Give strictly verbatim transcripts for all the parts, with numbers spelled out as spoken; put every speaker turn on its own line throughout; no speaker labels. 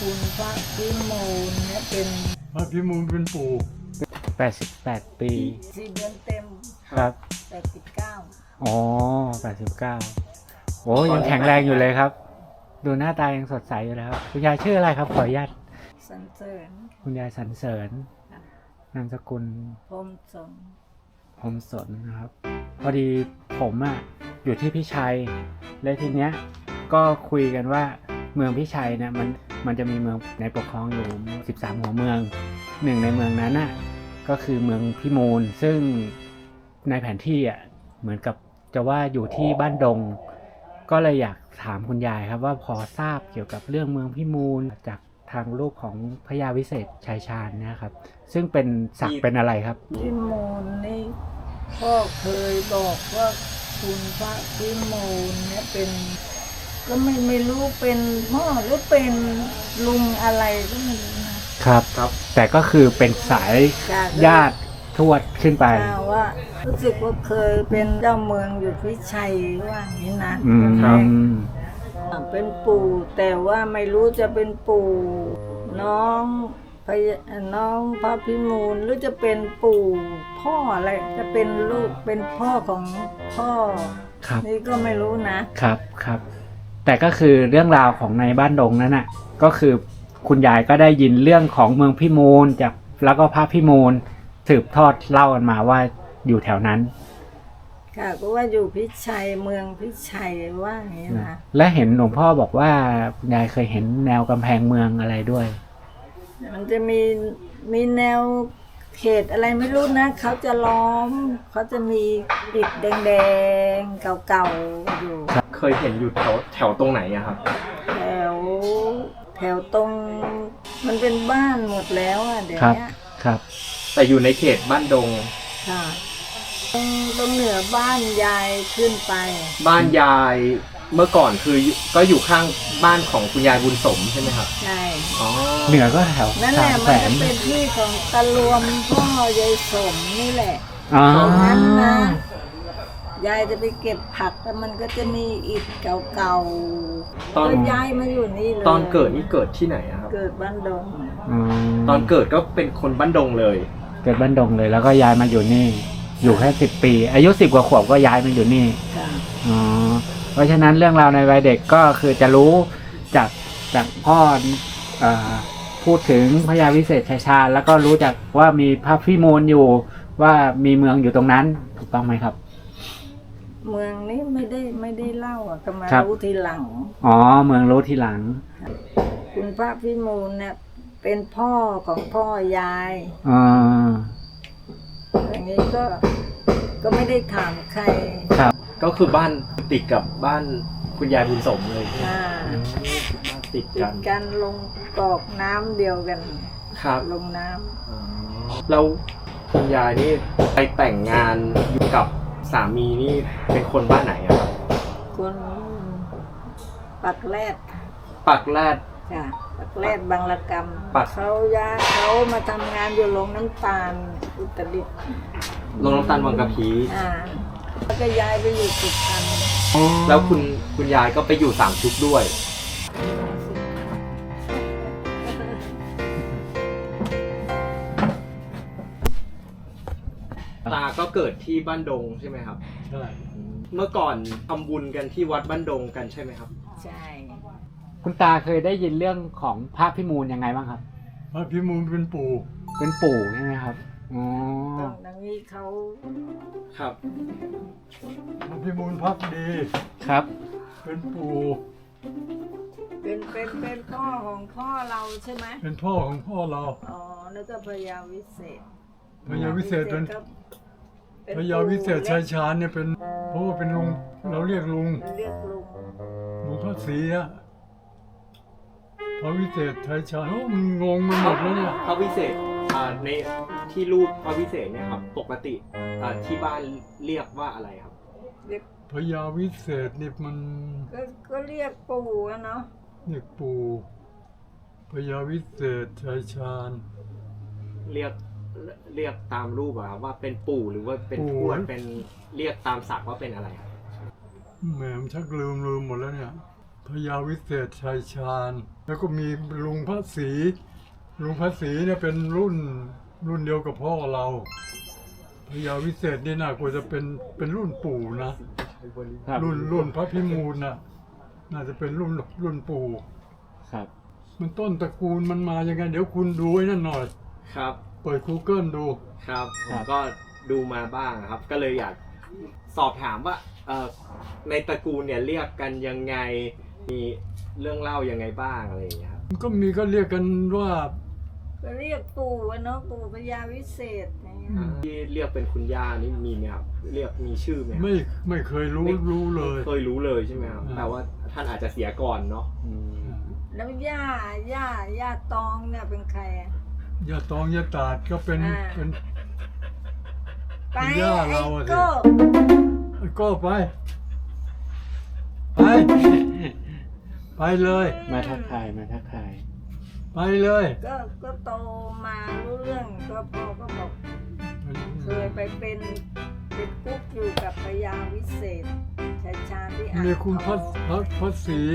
คุณพระพิมูลเนี่ยเป็น
พระพิมูลเป็นปู่
แปดสิบแปดปี
สี่เดือนเต็ม
ครับ
แปดสิบเก้า
อ๋อแปดสิบเก้าโอ้ยังแข็งแรงอยู่เลยครับดูหน้าตายังสดใสอยู่แล้วคุณยายชื่ออะไรครับขออนุญาต
สรรเสริญ
คุณยายสรรเสริญนามสกุล
พรหมสน
พรหมสนนะครับพอดีผมอ่ะอยู่ที่พิชัยและทีเนี้ยก็คุยกันว่าเมืองพิชัยเนี่ยมันมันจะมีเมืองในปกครองอยู่สิบสามหัวเมืองหนึ่งในเมืองนั้นน่ะก็คือเมืองพิมูลซึ่งในแผนที่อ่ะเหมือนกับจะว่าอยู่ที่บ้านดงก็เลยอยากถามคุณยายครับว่าพอทราบเกี่ยวกับเรื่องเมืองพิมูลจากทางลูกของพญาวิเศษชัยชาญนะครับซึ่งเป็นศักดิ์เป็นอะไรครับ
พิมูลนี่พ่อเคยบอกว่าคุณพระพิมูลเนี่ยเป็นก็ไม่ไม่รู้เป็นพ่อหรือเป็นลุงอะไรก็ไม่รู้นะครับ
ครับแต่ก็คือเป็นสายญาติทวดขึ้นไป
ว่ารู้สึกว่าเคยเป็นเจ้าเมืองอยู่พิชัยว่าอย่างนี้นะเป็นปู่แต่ว่าไม่รู้จะเป็นปู่น้องพญน้องพระพิมูลหรือจะเป็นปู่พ่ออะไรจะเป็นลูกเป็นพ่อของพ่อนี่ก็ไม่รู้นะครับ
ครับแต่ก็คือเรื่องราวของในบ้านดงนั้นน่ะก็คือคุณยายก็ได้ยินเรื่องของเมืองพิมูลจากแล้วก็พระพิมูลสืบทอดเล่ากันมาว่าอยู่แถวนั้น
ค่ะก็ว่าอยู่พิชัยเมืองพิชัยว่าอย่างนี้นะ
และเห็นหลวงพ่อบอกว่าคุณยายเคยเห็นแนวกำแพงเมืองอะไรด้วย
มันจะมีมีแนวเขตอะไรไม่รู้นะเขาจะล้อมเขาจะมีอิฐแดงๆเก่าๆอยู่
เคยเห็นอยู่แถวแถวตรงไหนอะครับ
แถวแถวตรงมันเป็นบ้านหมดแล้วอะเดี๋ยวนี้
ครับ
แต่อยู่ในเขตบ้านดง
ค่ะตรงตรงเหนือบ้านยายขึ้นไป
บ้านยายเมื่อก่อนคือก็อยู่ข้างบ้านของคุณยายบุญสมใช่ไหมครับ
ใช่
อ๋อ
เหนือก็แถว
นั่นแหละมันจะเป็นที่ของตะลวมพ่อยายสมนี่แหละตรงนั้นนะยายจะไปเก็บผักแต่มันก็จะมีอิฐเก่าๆตอนยายมาอยู่นี่เลย
ตอนเกิดนี่เกิดที่ไหนครับ
เกิดบ้านดง
ตอนเกิดก็เป็นคนบ้านดงเลย
เกิดบ้านดงเลยแล้วก็ย้ายมาอยู่นี่อยู่แค่สิบปีอายุสิบกว่าขวบก็ย้ายมาอยู่นี่อ๋อเพราะฉะนั้นเรื่องราวในวัยเด็กก็คือจะรู้จากจากพ่อเอ่อพูดถึงพญาวิเศษชัยชาญแล้วก็รู้จักว่ามีพระพิมูลอยู่ว่ามีเมืองอยู่ตรงนั้นถูกต้องไหมครับ
เมืองนี้ไม่ได้ไม่ได้เล่าอ่ะก็มารู้ทีหลัง
อ๋อเมืองรู้ทีหลัง
คุณพระพิมูลเนี่ยเป็นพ่อของพ่อยาย
อ๋อ
อย่างนี้ก็ก็ไม่ได้ถามใคร
ครับ
ก็คือบ้านติดกับบ้านคุณยายบุญสมเลย
อ่า
ติดกัน
กันลงกอกน้ำเดียวกัน
ครับ
ลงน้ำ
แล้วคุณยายนี่ไปแต่งงานอยู่กับสามีนี่เป็นคนบ้านไหนครับ
คนปักแรด
ปักแรด
ค่ะปักแรดบางระกำเขาย้ายเขามาทำงานอยู่โรงน้ำตาลอุตรดิตถ์
โรงน้ำตาลวังกะพี
อ่าแล้วก็ย้ายไปอยู่สุพรรณ
แล้วคุณคุณยายก็ไปอยู่สามชุกด้วยตาก็เกิดที่บ้านดงใช่ไหมครับ
ใช่
เมื่อก่อนทำบุญกันที่วัดบ้านดงกันใช่ไหมครับ
ใช่
คุณตาเคยได้ยินเรื่องของพระพิมูลยังไงบ้างครับ
พระพิมูลเป็นปู่
เป็นปู่ใช่ไหมครับอ๋อ
ตรงนี้เขา
ครับ
พระพิมูลพักดี
ครับ
เป็นปู่
เป็นเป็นเป็นพ่อของพ่อเราใช่ไหม
เป็นพ่อของพ่อเรา
อ๋อแล้วก็พญาวิเศษ
พญาวิเศษเป็นพญาวิเศษชัยชาญเนี่ยเป็นเพราะว่าเป็นลุงเราเรียกลุง
เรียกลุง
ลุงพระศรีอะพระวิเศษชัยชาญโอ้มันงงมันหมดแล้วเนี่ย
พระวิเศษในที่รูปพระวิเศษเนี่ยครับปกติที่บ้านเรียกว่าอะไรครับ
เรียก
พญาวิเศษนี่มัน
ก็ก็เรียกปู่เนาะ
เรียกปู่พญาวิเศษชัยชาญ
เรียกเรียกตามรูปอะครับว่าเป็นปู่หรือว่าเป็นทวดเป็นเรียกตามศักดิ์ว่าเป็นอะไรครับ
แหมชักลืมลืมหมดแล้วเนี่ยพญาวิเศษชัยชาญ แล้วก็มีลุงพระศรีลุงพระศรีเนี่ยเป็นรุ่นรุ่นเดียวกับพ่อเราพญาวิเศษนี่น่ากลัวจะเป็นเป็นรุ่นปู่นะ
ครับ
รุ่นรุ่นพระพิมูลน่ะน่าจะเป็นรุ่นรุ่นปู่
ครับ
มันต้นตระกูลมันมายังไงเดี๋ยวคุณดูไอ้นั่นหน่อย
ครับ
เปิด Google ดู
ครับผมก็ดูมาบ้างครับ ก็เลยอยากสอบถามว่าเอ่อในตระกูลเนี่ยเรียกกันยังไงมีเรื่องเล่ายังไงบ้างอะไรอย่างเงี้ยครับ
ก็มีก็เรียกกันว่า
ก็เรียกปู่อะเนาะปู่พญาวิเศษอย่างเงี้ย
ที่เรียกเป็นคุณย่านี่มีไหมครับเรียกมีชื่อไหมครับ
ไม่ไม่เคยรู้
ไม่
รู้เลย
เคยรู้เลยใช่ไหมครับ
อ่า
แต่ว่าท่านอาจจะเสียก่อนเนาะ
อืม
แล้วย่าย่าย่าตองเนี่ยเป็นใครอะ
ยาตองยาตาดก็เป็น
อ่า
เป็น
ไป
เป็นย่าเราอะสิ
ไอ้โก้
ก็ไป ไป ไปเลย
มาทักทายมาทักทาย
ไปเลย
ก็ก็โตมารู้เรื่องก็พ่อก็บอกเคยไปเป็นเป็นกุ๊กอยู่กับพญาวิเศษชัยชาญที่อ่าง
มีคุณ
ท
พระ
อง
พระพระศรี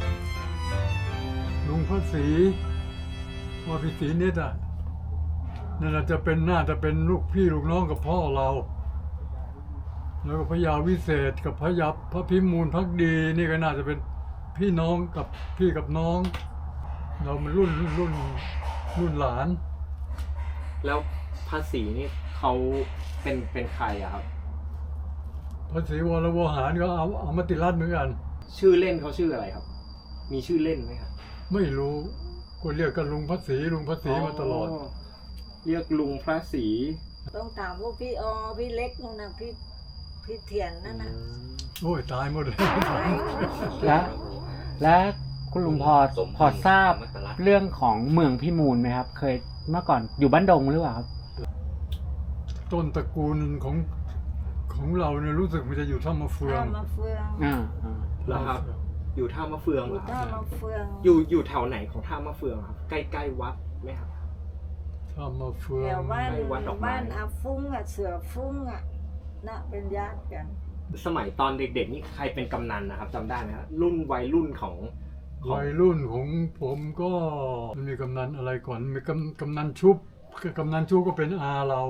ลุงพระศรีว่าพิศรีนิดอ่ะนั่นน่ะจะเป็นน่าจะเป็นลูกพี่ลูกน้องกับพ่อเรา แล้วก็พญาวิเศษกับพระยับพระพิมูลพักดีนี่ก็น่าจะเป็นพี่น้องกับพี่กับน้อง เรามันรุ่นรุ่นรุ่นรุ่นหลาน
แล้วภาษีนี่เขาเป็นเป็นใครอะครับ
พระศรีวรวหารก็เอาเอามาติรัตน์เหมือนกัน
ชื่อเล่นเขาชื่ออะไรครับ มีชื่อเล่นไหมครับ
ไม่รู้ก็เรียกกันลุงพระศรีลุงพระศรีมาตลอด
เรียกลุงพระศรี
ต้องถามพวกพี่ออพี่เล็กนู่นนะพี่พี่เถียนนั่นนะ
โอ้ยตายหมดเลย
และและคุณลุงพอพอทราบเรื่องของเมืองพิมูลไหมครับ เคยเมื่อก่อนอยู่บ้านดงหรือเปล่าครับ
ต้นตระกูลของของเราเนี่ยรู้สึกมันจะอยู่ท่ามะเฟือง
ท่ามาเฟือง
อ่าอ่า
แล้วครับ อยู่ท่ามะเฟือง
อ
เหร
ยู่
อค
ท่า
รับ
มาเฟือง
อยู่อยู่แถวไหนของท่ามะเฟืองครับ ใกล้ๆวัดไหมครับ
ท่ามะเฟือ
แถ
ง
วบ้าน
ในวัดดอกไม้
บ้านอาฟุ้งอ่ะเสือฟุ้งอ่ะน่ะเป็นญาติกัน
สมัยตอนเด็กๆนี่ใครเป็นกำนันนะครับจำได้ไหมครับรุ่นวัยรุ่นของของ
วัยรุ่นของผมก็มันมีกำนันอะไรก่อนมีกำกำนันชุบกำนันชุบก็เป็นอาเรา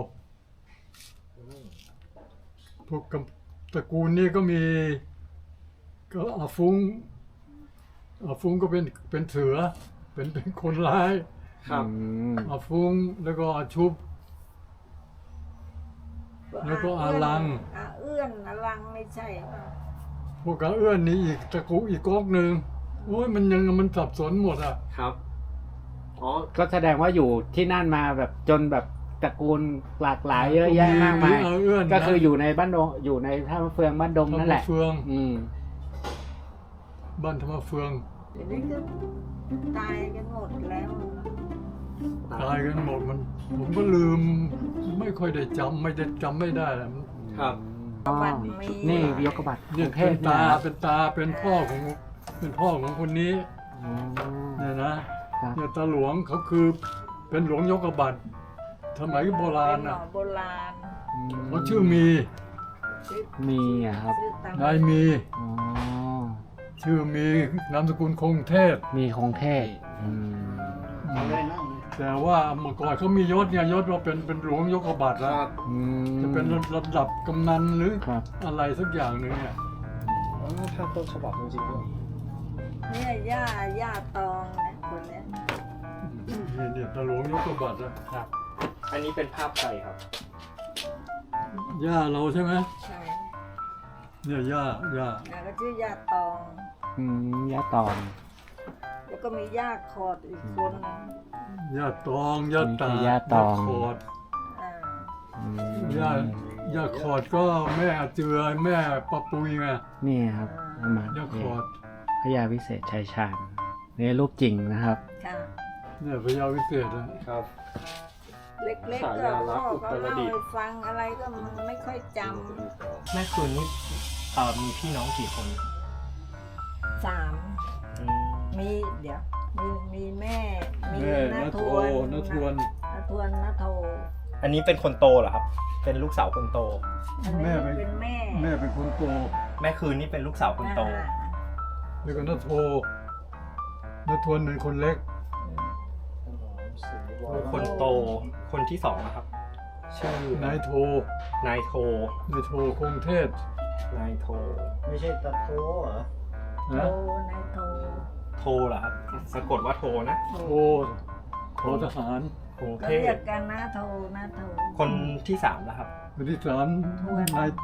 พวกกำตระกูลนี้ก็มีก็อาฟุ้งอาฟุ้งก็เป็นเป็นเสือเป็นเป็นคนร้าย
ครับ
อืม
อาฟุ้งแล้วก็อาชุบ แล้วก็อาลัง
อาเอื้อนอาลังไม่ใช่ป่ะ
พวกกาเอื้อนนี่อีกตระกูลอีกก๊อกหนึ่งโอ้ยมันยังมันสับสนหมดอ่ะ
ครับอ๋อ
ก็แสดงว่าอยู่ที่นั่นมาแบบจนแบบตระกูลหลากหลายเยอะแยะมากมาย
อาเอื้อน
ก็คืออยู่ในบ้านดงอยู่ในท่ามะเฟืองบ้านดง
ธร
นั่
ร
น
ม
แหละ
เฟือง
อืม
บ้านธรรมเฟือง
เดี๋ยวนี้ก็ตายกันหมดแล้ว
ตายกันหมดมัน ผมก็ลืมไม่ค่อยได้จำไม่ได้จำไม่ได้แหละมัน
ครับ
อ๋อ
บัตรมี
นี่ยกกระบัตรก
เนี่
รุ
ย
งเท
เป็
พ
น
เนี่ย
ตา
นะครับ
เป็นตาเป็นพ่อของเป็นพ่อของคนนี้
อ๋อ
เนี่ยนะครับ เนี่ยตาหลวงเขาคือเป็นหลวงยกกระบัดสมัยโบราณ
เป็นหม
น่ะ
อโบราณ
เขาชื่อมี
ชื่อ
มีอะครับ
ชื่อตาม
นายมี
อ๋อ
ชื่อมีนามสกุลคงเทพ
มีคงเทพอืม
แต่ว่าเมื่อก่อนเขามียศเนี่ยยศว่าเป็นเป็นหลวงยกกระบัดแล้ว
อืม
จะเป็นระดับกำนันหรือ
ครับ
อะไรสักอย่างหนึ่งเนี่ย
ถ้าต้นฉบับจริงๆด้วย
เนี่ยย่าย่าตองนะคนเนี้ย
นี่เนี่ยตาหลวงยกกระบัดอะ
ครับ อันนี้เป็นภาพใครครับ
ย่าเราใช่ไหม
ใช่
เนี่ยย่าย่า
แล้วก็ชื่อย่าตอง
อืมยะตอง
แล้วก็มีย่าคอดอีกคนหนึ่ง
ย่าตองย่าตา
นี่คือย่าตอง
ขอด
อ่า
อืม
ย่าย่าขอดก็แม่เจือแม่ปะปุยไง
นี่ครับเอามา
ย่าขอด
พญาวิเศษชัยชาญนี่รูปจริงนะครับ
ค่ะ
เนี่ยพญาวิเศษอะ
ครับ
เล็กๆ
ฉา
ก็
ยาลั
พ่
กษณ์
อ
อุ
ก็
ตร
เล่า
ดิตถ์
ให้ฟังอะไรก็มันไม่ค่อยจ
แม่คืนนี้เอ่อมีพี่น้องกี่คน
ำสามมีเดี๋ยว มีมีแม่มี
แม่
น้า
นา
ท
โท
วน
นาทวน
น้าทวนน้าโท
อันนี้เป็นคนโตเหรอครับ เป็นลูกสาวคนโต
อันนี้
แม่เป็น
เป็นแม่
แม่เป็นคนโต
แม่คืนนี่เป็นลูกสาวคนโต
อ่า
แล้วก็นาโทนาทวนเป็นคนเล็ก
คนโตคนที่สองนะครับ ชื่อน
ายโท
นายโท
นายโทคงเทศ
นายโท
ไม่ใช่ตะโทเหรอ
โท
นะ
นายโท
โทเหรอครับสะกดว่าโทนะ
โทโททหาร
กรุง
ก็
เท
เรีย
พ
กกันนะโทนะโท
คนที่สามแล้วครับ
คนที่สาม
ทวน
นาย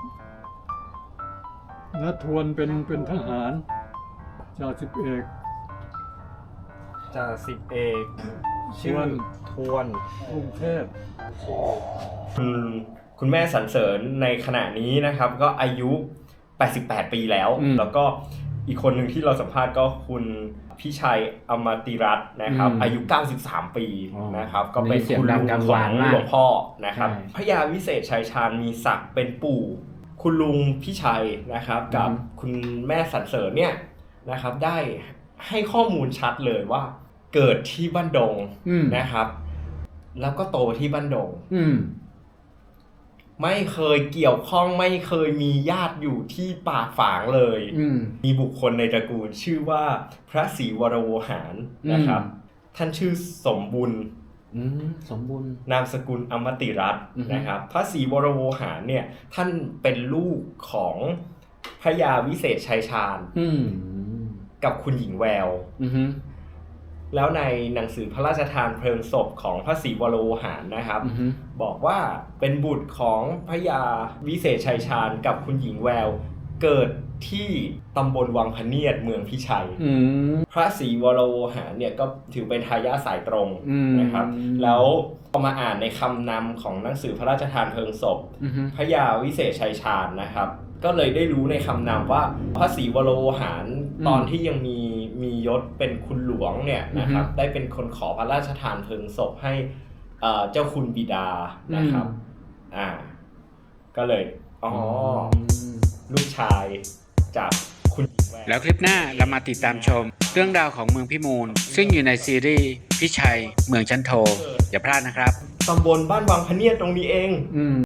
นาทวนเป็นเป็นทหารจ่าสิบเอก
จ่าสิบเอกชื่อทวน
กรุงเทพ
คุณคุณแม่สรรเสริญในขณะนี้นะครับ ก็อายุแปดสิบแปดปีแล้ว
อืม
แล้วก็อีกคนหนึ่งที่เราสัมภาษณ์ก็คุณพี่ชัยอมติรัตน์นะครับ
อืม
อายุเก้าสิบสามปี
อ๋อ
นะครับ ก็เป็น
เสียง
คุณ
ดั
ลุ
ง
ง
กัง
ขอ
วาง
ง
มาก
หลวงพ่อนะครับ
ใช่
พระยาวิเศษชัยชาญมีศักดิ์เป็นปู่ คุณลุงพี่ชัยนะครับ กับ
อืม
คุณแม่สรรเสริญเนี่ยนะครับ ได้ให้ข้อมูลชัดเลยว่า เกิดที่บ้านดง
อืม
นะครับ แล้วก็โตที่บ้านดง
อืม
ไม่เคยเกี่ยวข้องไม่เคยมีญาติอยู่ที่ป่าฝางเลย
อืม
มีบุคคลในตระกูลชื่อว่าพระศรีวรโวหารนะครับ
อืม
ท่านชื่อสมบุญ
อืม สมบูรณ์
นามสกุลอมติรัตน์
อือฮึ
นะครับ พระศรีวรโวหารเนี่ยท่านเป็นลูกของพระยาวิเศษชัยชาญ
อืม
กับคุณหญิงแวว
อืม
แล้วในหนังสือพระราชทานเพลิงศพของพระศรีวรโวหารนะครับ
อืม
บอกว่าเป็นบุตรของพระยาวิเศษชัยชาญกับคุณหญิงแวว เกิดที่ตำบลวังพะเนียดเมืองพิชัย
อืม
พระศรีวรโวหารเนี่ยก็ถือเป็นทายาทสายตรง
อืม
นะครับ แล้วพอมาอ่านในคำนำของหนังสือพระราชทานเพลิงศพ
อืม
พระยาวิเศษชัยชาญนะครับ ก็เลยได้รู้ในคำนำว่าพระศรีวรโวหาร
อืม
ตอนที่ยังมีมียศเป็นคุณหลวงเนี่ยนะครับ
อือฮึ
ได้เป็นคนขอพระราชทานเพลิงศพให้เอ่อเจ้าคุณบิดานะครับ อ่า ก็เลยอ๋ออลูกชายจากคุณหญิงแวว
แล้วคลิปหน้าเรามาติดตามชม เรื่องราวของเมืองพิมูล ซึ่งอยู่ในซีรีส์พิชัยเมืองชั้นโท อย่าพลาดนะครับ
ตำบลบ้านวังพะเนียดตรงนี้เอง
อืม